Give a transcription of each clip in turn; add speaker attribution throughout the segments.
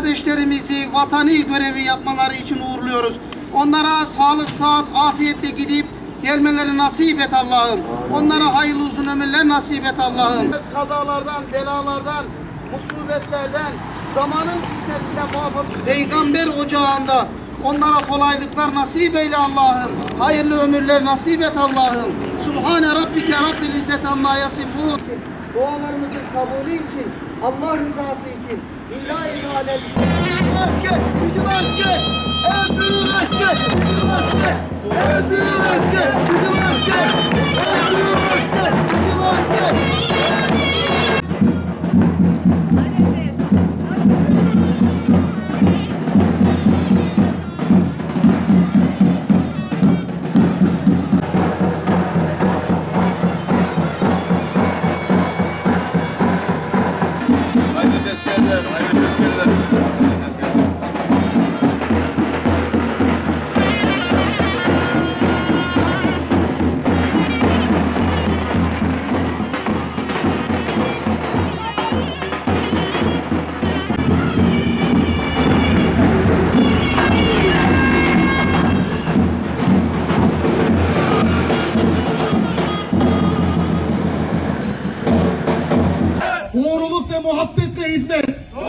Speaker 1: kardeşlerimizi vatani görevi yapmaları için uğurluyoruz. Onlara sağlık, sıhhat, afiyetle gidip gelmeleri nasip et Allah'ım. Onlara hayırlı uzun ömürler nasip et Allah'ım. Kazalardan, belalardan, musibetlerden, zamanın fitnesinden muhafaza. Peygamber ocağında onlara kolaylıklar nasip eyle Allah'ım. Hayırlı ömürler nasip et Allah'ım. Subhane Rabbike Rabbil İzzet amma yasifun. Dualarımızın kabulü için, Allah rızası için, İllahi Teala. Asker, bizim asker, en büyük asker, bizim asker, en büyük asker, bizim asker, en büyük asker, bizim asker.
Speaker 2: Hayırlı tezkereler, hayırlı tezkereler.
Speaker 3: Doğruluk ve muhabbetle hizmet.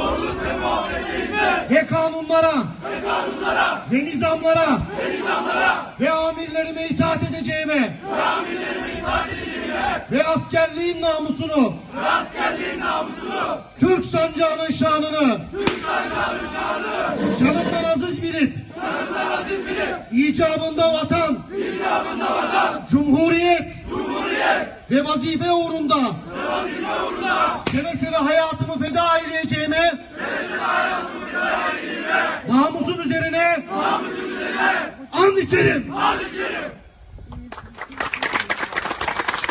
Speaker 3: Ve kanunlara. Ve nizamlara. Ve amirlerime itaat edeceğime. Ve askerliğin namusunu. Türk sancağının şanını. Canımdan aziz bilip. İcabında vatan. Cumhuriyet. Ve vazife uğrunda. Seve seve hayatımı feda eyleyeceğime, namusum üzerine and içerim.